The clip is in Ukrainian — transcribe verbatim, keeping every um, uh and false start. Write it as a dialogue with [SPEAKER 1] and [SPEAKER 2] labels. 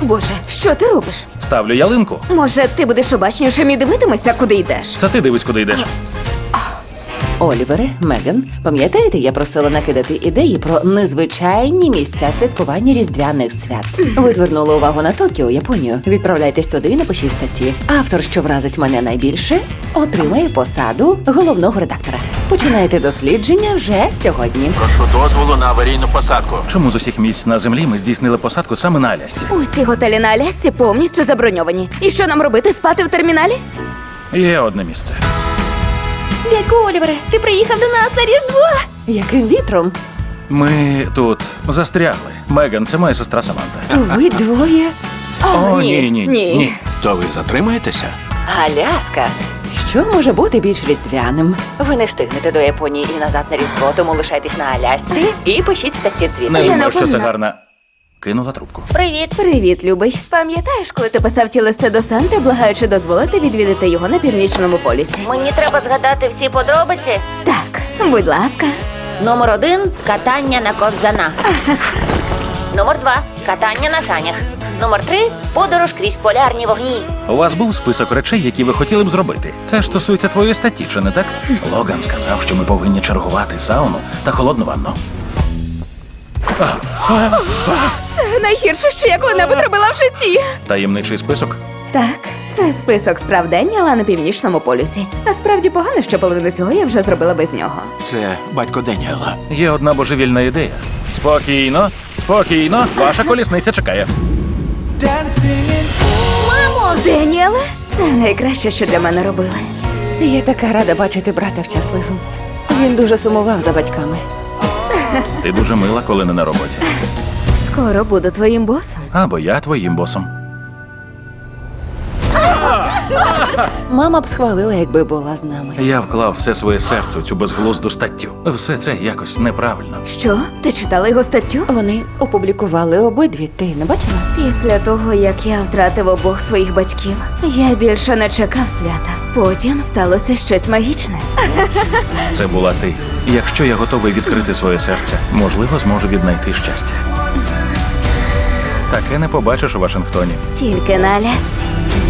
[SPEAKER 1] Боже, що ти робиш?
[SPEAKER 2] Ставлю ялинку.
[SPEAKER 1] Може, ти будеш обачнішим і дивитимешся, куди йдеш?
[SPEAKER 2] Це ти дивись, куди йдеш.
[SPEAKER 3] Олівере, Меган, пам'ятаєте, я просила накидати ідеї про незвичайні місця святкування різдвяних свят. Ви звернули увагу на Токіо, Японію. Відправляйтесь туди і напишіть статті. Автор, що вразить мене найбільше, отримає посаду головного редактора. Починаєте дослідження вже сьогодні.
[SPEAKER 4] Прошу дозволу на аварійну посадку.
[SPEAKER 2] Чому з усіх місць на землі ми здійснили посадку саме на Алясці?
[SPEAKER 1] Усі готелі на Алясці повністю заброньовані. І що нам робити, спати в терміналі?
[SPEAKER 2] Є одне місце.
[SPEAKER 3] Дядьку Олівере, ти приїхав до нас на Різдво! Яким вітром?
[SPEAKER 2] Ми тут застрягли. Меган, це моя сестра Саманта.
[SPEAKER 3] То ви двоє?
[SPEAKER 2] О, ні, ні, ні.
[SPEAKER 4] То ви затримаєтеся?
[SPEAKER 3] Аляска. Що може бути більш різдвяним? Ви не встигнете до Японії і назад на Різдво, тому лишайтесь на Алясці і пишіть статті звідти.
[SPEAKER 2] Не
[SPEAKER 1] Я
[SPEAKER 2] думаю,
[SPEAKER 1] не
[SPEAKER 2] що це
[SPEAKER 1] впевнена.
[SPEAKER 2] гарна. Кинула трубку.
[SPEAKER 3] Привіт.
[SPEAKER 1] Привіт, любий. Пам'ятаєш, коли ти писав ті листи до Санти, благаючи дозволити відвідати його на північному полюсі?
[SPEAKER 5] Мені треба згадати всі подробиці.
[SPEAKER 1] Так, будь ласка.
[SPEAKER 5] Номер один – катання на ковзанах. Номер два – катання на санях. Номер три – подорож крізь полярні вогні.
[SPEAKER 2] У вас був список речей, які ви хотіли б зробити. Це ж стосується твоєї статті, чи не так? Логан сказав, що ми повинні чергувати сауну та холодну ванну.
[SPEAKER 1] Це найгірше, що я коли-небудь робила в житті.
[SPEAKER 2] Таємничий список?
[SPEAKER 1] Так, це список справдень, але на північному полюсі. Насправді погано, що половину цього я вже зробила без нього.
[SPEAKER 4] Це батько Деніела.
[SPEAKER 2] Є одна божевільна ідея. Спокійно, спокійно, ваша колісниця чекає.
[SPEAKER 1] Мамо! Деніеле, це найкраще, що для мене робили.
[SPEAKER 3] Я така рада бачити брата щасливим. Він дуже сумував за батьками.
[SPEAKER 2] Ти дуже мила, коли не на роботі.
[SPEAKER 1] Скоро буду твоїм босом.
[SPEAKER 2] Або я твоїм босом.
[SPEAKER 3] Мама б схвалила, якби була з нами.
[SPEAKER 2] Я вклав все своє серце у цю безглузду статтю. Все це якось неправильно.
[SPEAKER 1] Що? Ти читала його статтю?
[SPEAKER 3] Вони опублікували обидві. Ти не бачила?
[SPEAKER 1] Після того, як я втратив обох своїх батьків, я більше не чекав свята. Потім сталося щось магічне.
[SPEAKER 2] Це була ти. Якщо я готовий відкрити своє серце, можливо, зможу віднайти щастя. Таке не побачиш у Вашингтоні.
[SPEAKER 1] Тільки на Алясці.